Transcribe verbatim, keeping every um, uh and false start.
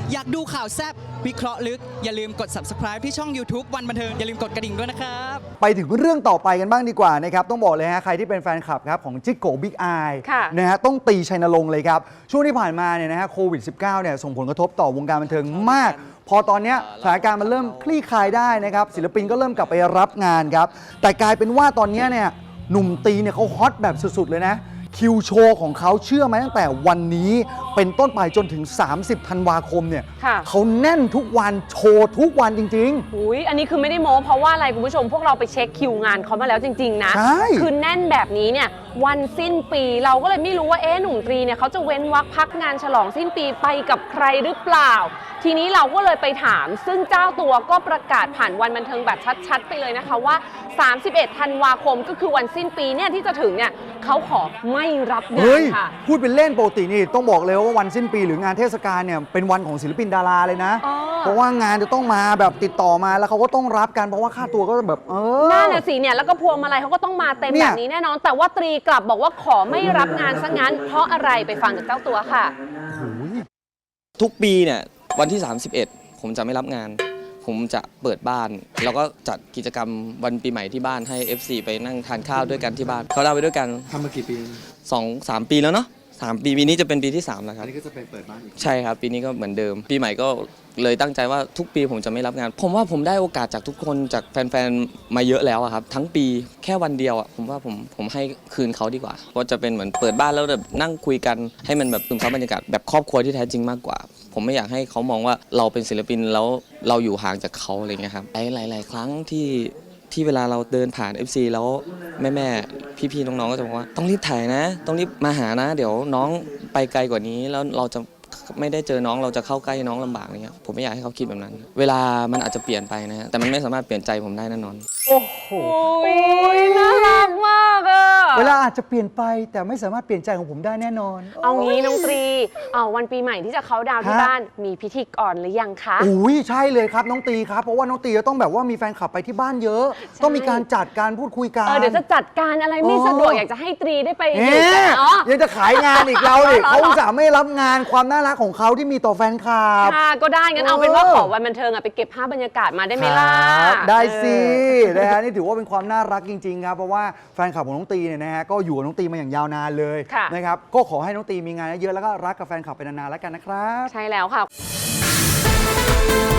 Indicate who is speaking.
Speaker 1: อยากดูข่าวแซ่บวิเคราะห์ลึกอย่าลืมกด ซับสไครบ์ ที่ช่อง ยูทูบ วันบันเทิงอย่าลืมกดกระดิ่งด้วยนะครับ
Speaker 2: ไปถึงเรื่องต่อไปกันบ้างดีกว่านะครับต้องบอกเลยฮะใครที่เป็นแฟนคลับครับของจิกโกบิ๊กไอนะฮะต้องตีชัยนรงค์เลยครับช่วงที่ผ่านมาเนี่ยนะฮะโควิด สิบเก้า เนี่ยส่งผลกระทบต่อวงการบันเทิงมากพอตอนนี้สถานการณ์มันเริ่มคลี่คลายได้นะครับศิลปินก็เริ่มกลับไปรับงานครับแต่กลายเป็นว่าตอนนี้เนี่ยหนุ่มตีเนี่ยเขาฮอตแบบสุดๆเลยนะคิวโชว์ของเขาเชื่อไหมตั้งแต่วันนี้เป็นต้นไปจนถึงสามสิบธันวาคมเนี่ยเขาแน่นทุกวันโชว์ทุกวันจริง
Speaker 3: ๆอุ้ยอันนี้คือไม่ได้โม้เพราะว่าอะไรคุณผู้ชมพวกเราไปเช็คคิวงานเขามาแล้วจริงๆนะคือแน่นแบบนี้เนี่ยวันสิ้นปีเราก็เลยไม่รู้ว่าเอ๊ะหนุ่มตรีเนี่ยเขาจะเว้นวรรคพักงานฉลองสิ้นปีไปกับใครหรือเปล่าทีนี้เราก็เลยไปถามซึ่งเจ้าตัวก็ประกาศผ่านวันบันเทิงแบบชัดๆไปเลยนะคะว่าสามสิบเอ็ดธันวาคมก็คือวันสิ้นปีเนี่ยที่จะถึงเนี่ยเขาขอไม่รับงานค่ะ
Speaker 2: พูดเป็นเล่นปกตินี่ต้องบอกเลยว่าวันสิ้นปีหรืองานเทศกาลเนี่ยเป็นวันของศิลปินดาราเลยนะเพราะว่างานจะต้องมาแบบติดต่อมาแล้วเขาก็ต้องรับกันเพราะว่าค่าตัวก็แบบเออ
Speaker 3: น่าน่ะสิเนี่ยแล้วก็พวงมาลัยเขาก็ต้องมาเต็มแบบนี้แน่นอนแต่ว่าตรีกลับบอกว่าขอไม่รับงานซะงั้นเพราะอะไรไปฟังจากเจ้าตัวค่ะ
Speaker 4: ทุกปีเนี่ยวันที่สามสิบเอ็ดผมจะไม่รับงานผมจะเปิดบ้านแล้วก็จัดกิจกรรมวันปีใหม่ที่บ้านให้ เอฟ ซี ไปนั่งทานข้าวด้วยกันที่บ้านเขาเล่าไปด้วยกัน
Speaker 5: ทำมากี่ปี
Speaker 4: สองสามปีแล้วเนาะสามปีปีนี้จะเป็นปีที่สามแล้วครับ
Speaker 5: อันนี้ก็จะเป็นเปิดบ้านอีก
Speaker 4: ใช่ครับปีนี้ก็เหมือนเดิมปีใหม่ก็เลยตั้งใจว่าทุกปีผมจะไม่รับงานผมว่าผมได้โอกาสจากทุกคนจากแฟนๆมาเยอะแล้วครับทั้งปีแค่วันเดียวอ่ะผมว่าผมผมให้คืนเขาดีกว่าเพราะจะเป็นเหมือนเปิดบ้านแล้วแบบนั่งคุยกันให้มันแบบซึมซับบรรยากาศแบบครอบครัวที่แท้จริงมากกว่าผมไม่อยากให้เขามองว่าเราเป็นศิลปินแล้วเราอยู่ห่างจากเขาอะไรเงี้ยครับหลายๆครั้งที่ที่เวลาเราเดินผ่าน เอฟ ซี แล้วแม่ๆพี่ๆน้องๆก็จะบอกว่าต้องรีบถ่ายนะต้องรีบมาหานะเดี๋ยวน้องไปไกลกว่านี้แล้วเราจะไม่ได้เจอน้องเราจะเข้าใกล้น้องลำบากอะไรเงี้ยผมไม่อยากให้เขาคิดแบบนั้นเวลามันอาจจะเปลี่ยนไปนะแต่มันไม่สามารถเปลี่ยนใจผมได้แน่นอน
Speaker 2: โอ้โห
Speaker 3: น่ารักมากอะ
Speaker 2: เวลาอาจจะเปลี่ยนไปแต่ไม่สามารถเปลี่ยนใจของผมได้แน่นอน
Speaker 3: เอางี้น้องตรีเอาวันปีใหม่ที่จะเข้าดาวที่บ้านมีพิธีกรหรือยังคะ
Speaker 2: อุ้ยใช่เลยครับน้องตีครับเพราะว่าน้องตีจะต้องแบบว่ามีแฟนคลับไปที่บ้านเยอะต้องมีการจัดการพูดคุยกัน
Speaker 3: เดี๋ยวจะจัดการอะไรไม่สะดวกอยากจะให้ตรีได้ไป
Speaker 2: อยู่กันเนาะยังจะขายงานอีกเราดิเขาจะไม่รับงานความน่ารักของเขาที่มีต่อแฟนคลับ
Speaker 3: ค่ะก็ได้งั้นเอาเป็นว่าขอวันบันเทิงไปเก็บภาพบรรยากาศมาได้ไหมล่ะ
Speaker 2: ได้สินะฮะนี่ถือว่าเป็นความน่ารักจริงๆครับเพราะว่าแฟนคลับของน้องตีเนี่ยนะฮะก็อยู่กับน้องตีมาอย่างยาวนานเลยนะครับก็ขอให้น้องตีมีงานเยอะแล้วก็รักกับแฟนคลับไปนานๆแล้วกันนะครับ
Speaker 3: ใช่แล้วค่ะ